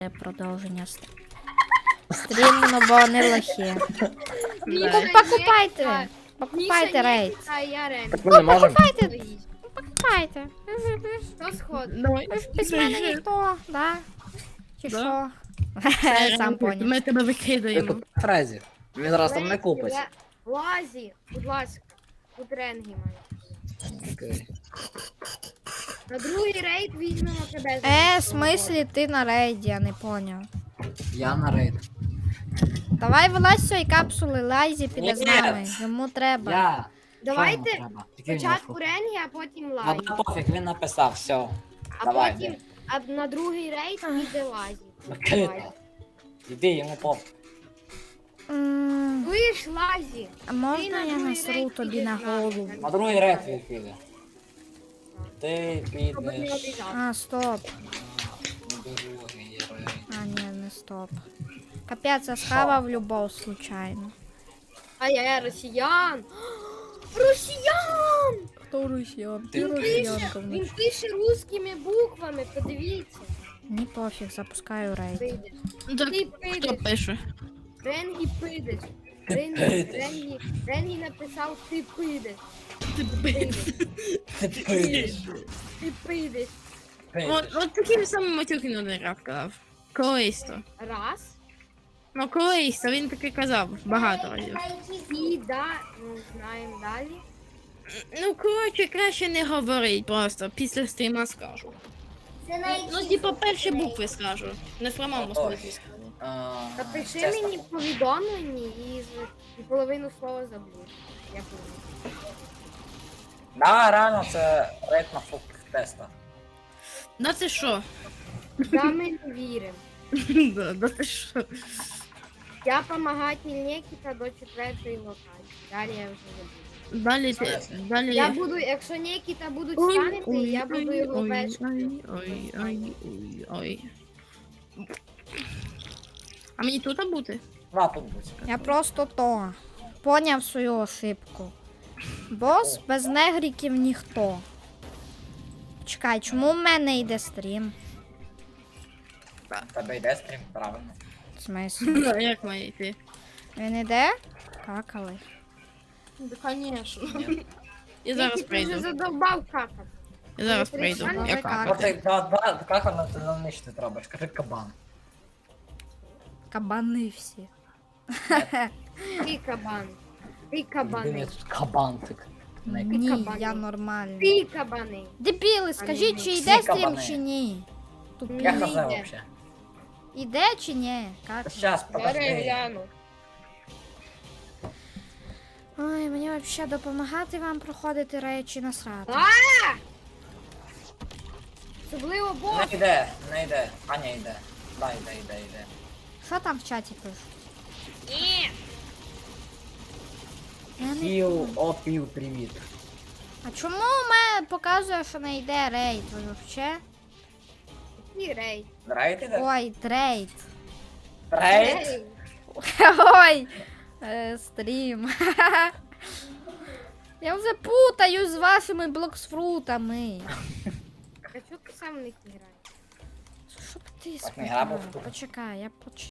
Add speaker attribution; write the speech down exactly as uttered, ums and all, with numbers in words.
Speaker 1: Продовження стріму, ну бо не лохи. Ну, покупайте! Покупайте рейд!
Speaker 2: Так ми не можемо.
Speaker 1: Покупайте! Покупайте!
Speaker 3: Хто сходить?
Speaker 2: Давай.
Speaker 1: Ви ж без мене ніхто, да? Чи що? Сам поняв.
Speaker 2: Ми тебе
Speaker 3: Ну,
Speaker 2: викидаємо.
Speaker 1: викидаємо.
Speaker 2: Фразі. Він зараз там не купить.
Speaker 3: Лазі, будь ласка. Тут ренги мають.
Speaker 2: Окей.
Speaker 3: На другий рейд візьмемо тебе. за
Speaker 1: Е, в
Speaker 3: місце.
Speaker 1: смислі ти на рейді, я не поняв.
Speaker 2: Я на рейд.
Speaker 1: Давай вилазь з цієї капсули, Лайзі піде з
Speaker 2: Ні.
Speaker 1: нами. Йому треба.
Speaker 2: Я.
Speaker 3: Давайте
Speaker 2: Що йому треба? Тільки
Speaker 3: спочатку
Speaker 2: він
Speaker 3: ренги, а потім
Speaker 2: Ну
Speaker 3: лазі.
Speaker 2: да пофіг, він написав, все.
Speaker 3: А
Speaker 2: давай,
Speaker 3: потім а на другий рейд піде лазі.
Speaker 2: Окей.
Speaker 3: Лазі.
Speaker 2: Іди, йому пофіг.
Speaker 1: М,
Speaker 3: Чуєш, лазі?
Speaker 1: А можна
Speaker 3: Ти на
Speaker 1: я
Speaker 3: другий
Speaker 1: насру
Speaker 3: рейд
Speaker 1: тобі
Speaker 3: підеш
Speaker 1: на
Speaker 3: з
Speaker 1: голову?
Speaker 3: нами.
Speaker 2: На другий рейд він піде. Ти
Speaker 3: Щоб не
Speaker 2: підеш
Speaker 3: обіжав.
Speaker 1: А, стоп.
Speaker 2: на другий рейд.
Speaker 1: А, ні, не стоп. Капець, я схавав любов случайно.
Speaker 3: Ай-яй, росіян! Росіян!
Speaker 1: Хто росіян?
Speaker 2: Ти
Speaker 3: Він пише, він пише русскими буквами, подивіться.
Speaker 1: Ні пофіг, запускаю рейд.
Speaker 3: Прийдеш.
Speaker 2: Ну так
Speaker 3: Ти
Speaker 2: хто
Speaker 3: прийдеш.
Speaker 2: пише?
Speaker 3: Ренгі прийдеш.
Speaker 2: Ти
Speaker 3: Ренгі,
Speaker 2: прийдеш.
Speaker 3: Ренгі, Ренгі написав, ти прийдеш.
Speaker 2: Ти
Speaker 3: Прийдеш.
Speaker 2: Ти підеш.
Speaker 3: Ти прийдеш.
Speaker 2: Підеш.
Speaker 4: От таким самим матюки один раз казав. Колись то.
Speaker 3: Раз.
Speaker 4: Ну колись то він таки казав багато разів.
Speaker 3: І да, ну знаємо далі.
Speaker 4: Ну коротше, краще не говорить просто, після стріма скажу. Ну типа перші букви скажу. Не в прямому смислі скажу.
Speaker 2: А,
Speaker 3: Напиши
Speaker 2: чесно.
Speaker 3: мені повідомлення і, з- і половину слова забудь. Я помню.
Speaker 2: Да, реально це рейд на фук теста.
Speaker 4: Да ти що?
Speaker 3: Да, ми не віримо.
Speaker 4: Да, да ти що?
Speaker 3: Я помагатель Нікіта до четвертої локації. Далі я вже забуду.
Speaker 4: Далі ти, далі
Speaker 3: Я буду, якщо Нікіта будуть
Speaker 4: Ой,
Speaker 3: стянути,
Speaker 4: ой,
Speaker 3: я буду
Speaker 4: ой,
Speaker 3: його
Speaker 4: ой,
Speaker 3: вешати.
Speaker 4: ой, ой, ой, ой, ой. А мені тут бути?
Speaker 2: На тут будь.
Speaker 1: Я просто то. Поняв свою ошибку. Бос без негріків ніхто. Чекай, чому в мене йде стрім?
Speaker 2: В Тебе йде стрім, правильно.
Speaker 1: В смислі?
Speaker 4: Ну, як має йти?
Speaker 1: Він іде? Какали.
Speaker 3: Да, конечно.
Speaker 4: Я зараз
Speaker 3: Нікіта вже
Speaker 4: прийду.
Speaker 3: задовбав какати.
Speaker 4: Я зараз
Speaker 3: Ти
Speaker 4: прийду.
Speaker 3: прикольно,
Speaker 4: Я
Speaker 1: як
Speaker 4: какаю.
Speaker 2: Ну ти два, два, як вона ти нанищити треба? Скажи кабан.
Speaker 1: Кабани всі.
Speaker 3: Ти кабан. Ти
Speaker 2: Він
Speaker 3: кабани.
Speaker 2: тут кабантик. Не
Speaker 1: Ні,
Speaker 3: кабани.
Speaker 1: я нормальний.
Speaker 3: Ти кабани.
Speaker 1: Дебіли, скажіть, чи
Speaker 2: Всі
Speaker 1: йде стрім,
Speaker 2: кабани.
Speaker 1: чи ні? Тупі.
Speaker 2: Я
Speaker 3: Не
Speaker 2: хз
Speaker 3: йде.
Speaker 2: вообще.
Speaker 1: Іде чи ні? Как?
Speaker 2: Сейчас,
Speaker 3: Зараз
Speaker 2: подожди.
Speaker 3: гляну.
Speaker 1: Ой, мені взагалі допомагати вам проходити речі насрати.
Speaker 3: А! Особливо бос.
Speaker 2: Не йде, не йде. А не йде. Да, йде, йде, йде.
Speaker 1: Що там в чаті пишуть?
Speaker 3: Ні.
Speaker 1: Я не...
Speaker 2: Хіл, опів, привіт.
Speaker 1: А чому у мене показує, що не йде рейд? Ви вообще?
Speaker 3: Який рейд?
Speaker 2: Рейд іде?
Speaker 1: Ой, трейд.
Speaker 2: Рейд?
Speaker 1: Ой, е, стрім. Я вже путаю з вашими блоксфрутами.
Speaker 3: А чого ти сам в них не граєш?
Speaker 1: Щоб ти
Speaker 2: Так не грабив.
Speaker 1: спитав. Почекай, я поч...